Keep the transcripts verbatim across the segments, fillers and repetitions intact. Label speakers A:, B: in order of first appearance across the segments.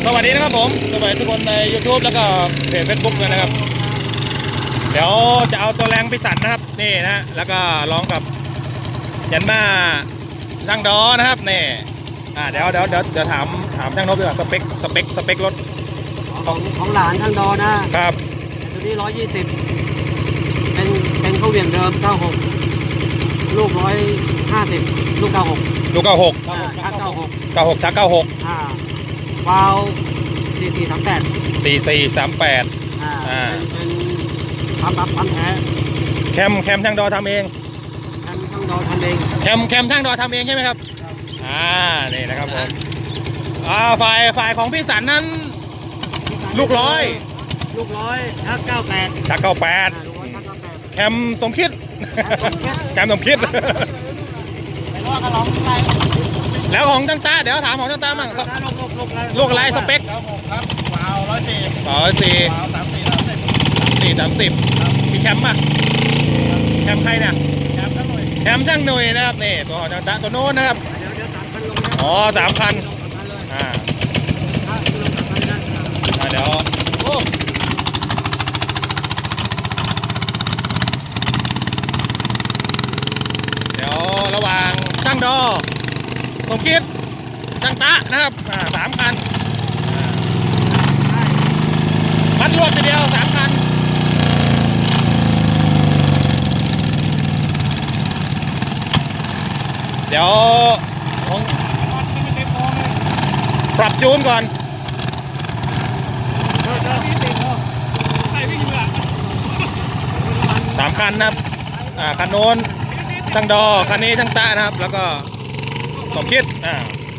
A: สวัสดีนะครับผมสวัสดีทุกคนใน YouTube แล้วก็เพจ Facebook ด้วยนะครับเดี๋ยวจะเอาตัวแรงพิสันนะครับนี่นะแล้วก็ร้องกับยันมาช่างดอนะครับนี่อ่าเดี๋ยวเดี๋ยวเดี๋ยวเดี๋ยวถามถามช่างนบดีกว่าสเปคสเปคสเปครถ
B: ของของหลานช่างดอนะครับตัวนี้ร้อยยี่สิบเป็นเป็นข้าวเหวี่ยงเดิมเก้าหกลูกร้อยห้าสิบลูกเก้าหก
A: ลูกเก้าหก
B: ชักเก้าหก
A: เก้าหกชักเก้าหก
B: อ่าวาล์วสี่สี่สามแปด
A: สี่สี่สามแปด
B: อ่าเป็นทำแบบทำแท้
A: แคมแคมช่างดอทำเอง
B: แคมช่างดอทำเอง
A: แคมแคมช่างดอทำเองใช่ไหมครับอ่านี่นะครับผมอ่าฝ่ายฝ่ายของพี่สันนั้นลูกร้อย
B: ลูกร้อยชักเก้าแปด
A: ชักเก้าแปดแคมสมคิดแคมสมคิดแล้วของจังตาเดี๋ยวถามของจังตาบ้างลูกอะไรสเปค
C: ครับวาวร้อยสี่
A: ร้อยสี่
C: สามสี่สามสิบ
A: สี่สามสิบมีแคมป่ะแคมใครเนี่ย
C: แคมช่างหน่วย
A: แคมช่างหน่วยนะครับนี่ตัวของจังตาตัวโน้นนะครับอ๋อสามพันอ่าเดี๋ยวเดี๋ยวระหว่างช่างดอสมคิดช่างตะนะครับอ่าสามคันคันรวดทีเดียวสามคันเดี๋ยวผมปรับจูนก่อนสามคันนะครับอ่าคันโน้นช่างดอคันนี้ช่างตะนะครับแล้วก็สมคิดอ่า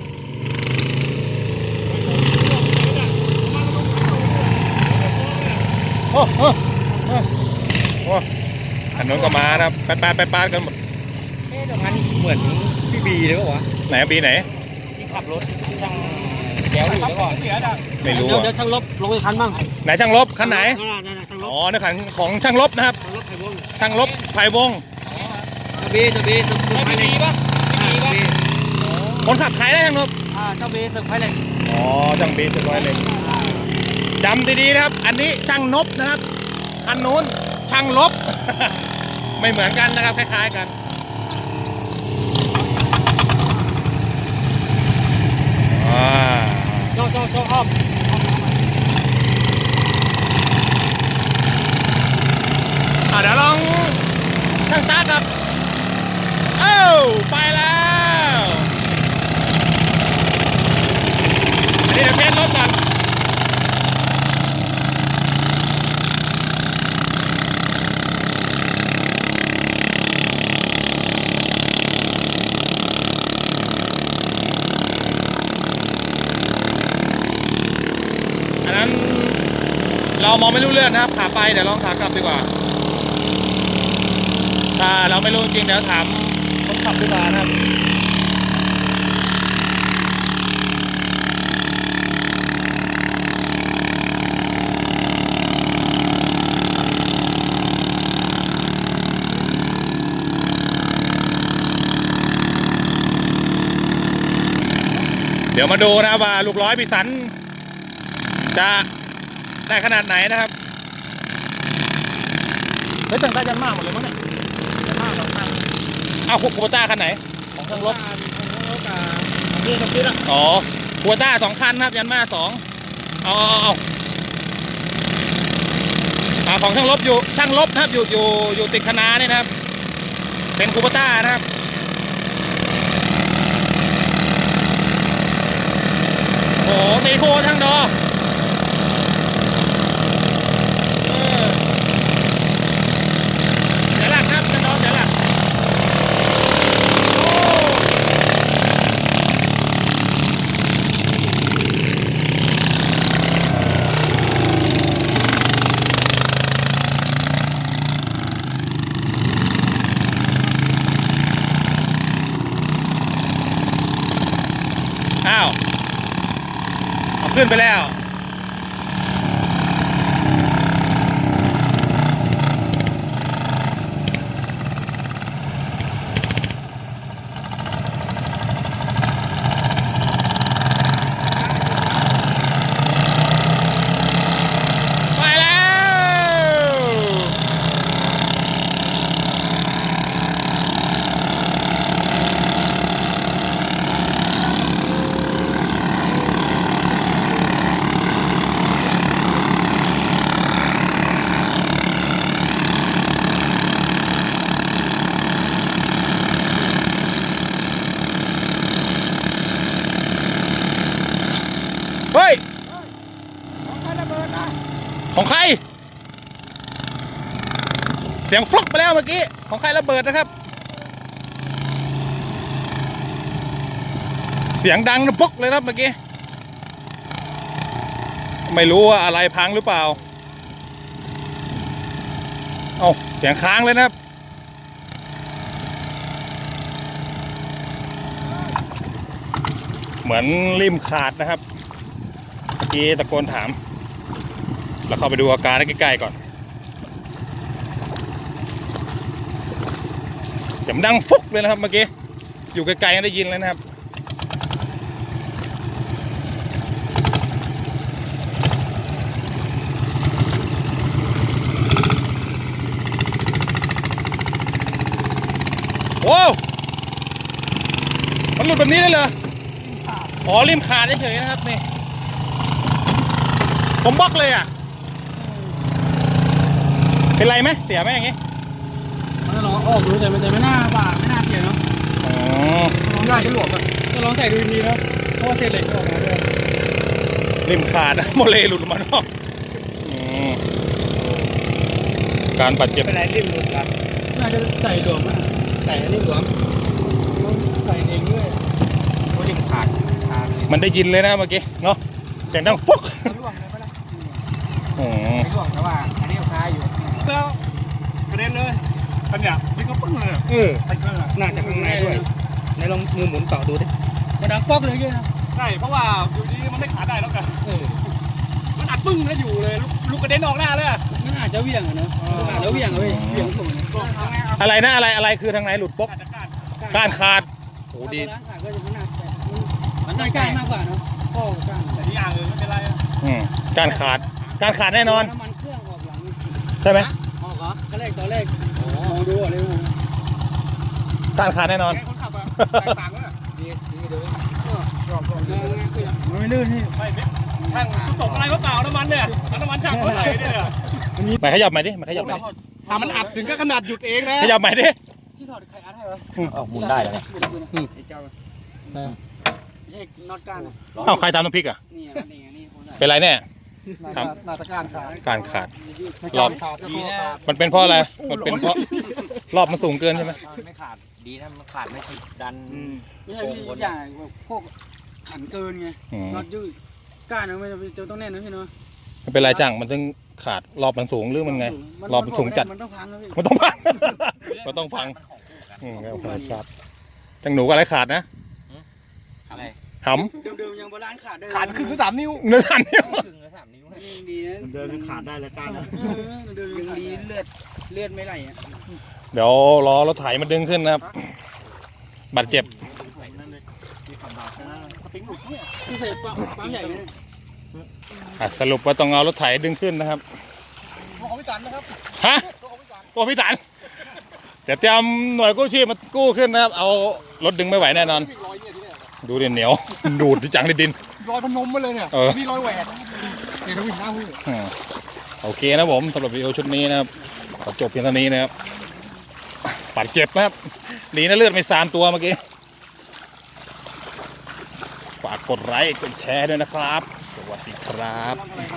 A: โอ้โหโอ้คันโน้นก็มานะครับไปปาดไปปาดกันหมด
B: เอ๊ะตรงนั้นเหมือนพี่บีเลยป่ะวะ
A: ไหนบีไหน
B: ที่ขับรถช่างแก้วอยู่แล้วก่อน
A: ไม่รู้
B: เดี๋ยวช่างลบลงไปคันบ้าง
A: ไหนช่างลบคันไหนอ๋อในคันของช่างลบนะครับช่างลบไผ่วง
B: จะบีจะบีจะบีป่ะ
A: คนขับขายได้ช่างลบ
B: อ่าเจ้าบีสึกไผ่เหล็ก
A: อ๋อช่างบีสึกไผ่เหล็กจำดีๆนะครับอันนี้ช่างนบนะครับคันนู้นช่างลบ ไม่เหมือนกันนะครับคล้ายๆกันอ่า
B: โจ้โจ้โจ้อ้อม
A: อ่าเดี๋ยวลองช่างตากับเอ้าไปแล้วอันนี้เดี๋ยวเทสรถก่อนเรามองไม่รู้เรื่องนะครับขาไปเดี๋ยวลองขากลับดีกว่าถ้าเราไม่รู้จริงเดี๋ยวถามคนขับดีกว่านะครับเดี๋ยวมาดูนะว่าลูกร้อยพิสันจะได้ขนาดไหนนะครับเฮ้ยตั้งแต่ยันมากหมดเลยมั้งเนี่ย
C: ยันมากสองคัน
A: อ้าวคูปต้าคันไหนของช่างลบ
C: นี่สมคิดอ่ะ
A: อ๋อคูปต้าสองคันครับยันมาสองเอาเอาเอาของช่างลบอยู่ช่างลบนะครับอยู่อยู่อยู่ติดคณะนี่นะครับเป็นคูปต้านะครับโอ้ตีโคช่างดออ้าวเอาขึ้นไปแล้ว
C: ดนะ
A: ของใครเสียงฟลุกไปแล้วเมื่อกี้ของใครระเบิดนะครับเสียงดังนะปุ๊กเลยครับเมื่อกี้ไม่รู้ว่าอะไรพังหรือเปล่าเอาเสียงค้างเลยนะครับเหมือนริมขาดนะครับเมื่อกี้ตะโกนถามแล้วเข้าไปดูอาการใกล้ๆก่อนเสียงดังฟุกเลยนะครับเมื่อกี้อยู่ไกลๆได้ยินเลยนะครับโว้วมันหลุดแบบนี้ได้เลยอ๋อริมขาดเฉยๆนะครับนี่ผมบล็อกเลยอ่ะเป็นไรไหมเสียไหมอย่างงี้
B: มันลองออกดูแต่แต่ไม่น่าบ่าไม่น่าเสียเนาะ
A: อ๋อ
C: ลองได้ที่หลวมอ่ะ
B: ก็ลองใส่ดูดีๆเนาะเพราะว่าเศษเหล็กออกมาด้วย
A: ริมขาดโมเลหลุดออกมาเนาะอืมการบาดเจ็บ
C: เป็นไรริมหลุดครับ
B: น่าจะใส่หลวมอ่ะ
C: ใส่อันนี้หลวม
B: ใส่เองด้วย
C: โอ้ริมขาดขาดเลย
A: มันได้ยินเลยนะเมื่อกี้เนาะเสียงดังฟุก
C: ร่วงเลยไหมล่ะ
A: อืม
C: ไม่ร่วงแต่ว่าอันนี้คาอยู่
B: แล้วกระเด็นเลยปัญญาพี่ก็ปึ้งเลย
C: เออ
B: ไปเลย
C: น่าจะข้างในด้วยในลองมือหมุนต่อดูดิ
B: มันดังป๊อกเลยนะ
D: ใช่เพราะว่าอยู่ดีมันไม่ขาดได้แล้วกัน
C: เออ
D: มันอัดปึ้งแล้วอยู่เลยลูกลูกกระเด็นออกหน้าเลยอะ
B: มันอาจจะเหวี่ยงอะเนาะขาดแล้วเหวี่ยงเลยเหวี่ยงส่ง
A: อะไรนะอะไรอะไรคือทางไหนหลุดปก
D: ขาดจากการ
A: ก้านขาดโอ้ดี
B: ร้านขาดก็จะมันหนักแต่มันได้ใกล้มากกว่าเนาะพ่อก้าน
D: แต่ที่อย่างอื่นไม่เป็นไรอะ
A: อืมก้านขาดก้านขาดแน่นอน
B: น้ำมันเครื่องออกหลัง
A: ใช่ไหม
B: ออกเหรอตอนแรกตอนแรกมองดูอ่ะเลย
A: ก้านขาดแน่นอน
C: ไงคนขับอ่ะแตกต่างกันอ่ะดีดีเดี๋ยวรอบรอบดี
B: มันไม่ลื่นนี่
D: ไม่ไม่ช่างตกอะไรมาเปล่าน้ำมันเนี่ยเอาน้ำมันช่างเท่าไหร่เนี่ย
A: มาขยับใหม่ดิมาขยับใหม่ดิ
C: ถ้ามันอัดถึงก็ขนาดหยุดเองนะ
A: ขยับใหม่ดิ
B: ที่ถอดใครอัดให้วะ
A: ออกหมุนได้แล้ว
B: เจ้าเอกน็อตก้านอ่ะ
A: เอ้าใครทำน้ำพริกอ่ะ
B: นี่นี่นี่
A: เป็นไรแน่ ครับ
B: นาตะการขาด
A: การขาด
B: รอบขาดดีนะ
A: มันเป็นเพราะอะไรมันเป็นเพราะรอบมันสูงเกินใช่ไหม
E: ไม่ขาดดีนะมันขาดไม่ติดดัน
B: ไม่ใช่พี่อย่างพวกขันเกินไง
A: อืม
B: น็อตยืดก้านมันจะต้องแน่นนะพี่เนาะ
A: ไม่เป็นไรจังมันต้องขาดรอบมันสูงหรือมันไง รอบมันสูงจัด
B: มันต้องพังนะพี่
A: มันต้องพัง มันต้องพังอืมครับครับจังหนูกับอะไรขาดนะ
E: อะไร
A: ห
B: เดิมๆยังโบราณขาดได้
C: ขาดคือคือสามนิ้ว
A: ำเนื้อสันเนี่ย
E: ครึ่งหรือสามนิ้วให้
B: ยังดีนะ
C: เดินขาดได้แล้วกันนะ
B: เดิมยังดีเลือดเลือดไม่ไหลอ่ะ
A: เดี๋ยวรอรถไถมันดึงขึ้นนะครับ บาดเจ็บ
B: ที่ใส่ปั๊มใหญ่ไหม
A: อ่ะสรุปว่าต้องเอารถไถดึงขึ้นนะครับ
C: ตัวของพี่ตันนะครับ
A: ฮะ ตัวพี่ตัน เดี๋ยวเตรียมหน่วยกู้ชีพมากู้ขึ้นนะครับ เอารถดึงไม่ไหวแน่นอน
C: รอยเนี่ยที่เนี่ย
A: ดูดิเหนียว ดูดที่จังในดิน
C: รอยพนมมาเลยเนี่ย
A: เออ
C: มีรอยแหวนเดี๋ยวเราวิ่งหน้าหู
A: อืมโอเคนะผมสำหรับวิดีโอชุดนี้นะครับ ขอจบเพียงเท่านี้นะครับบาดเจ็บนะครับดีนะเลือดไม่สามตัวเมื่อกี้ ฝากกดไลค์กดแชร์ด้วยนะครับ สวัสดีครับ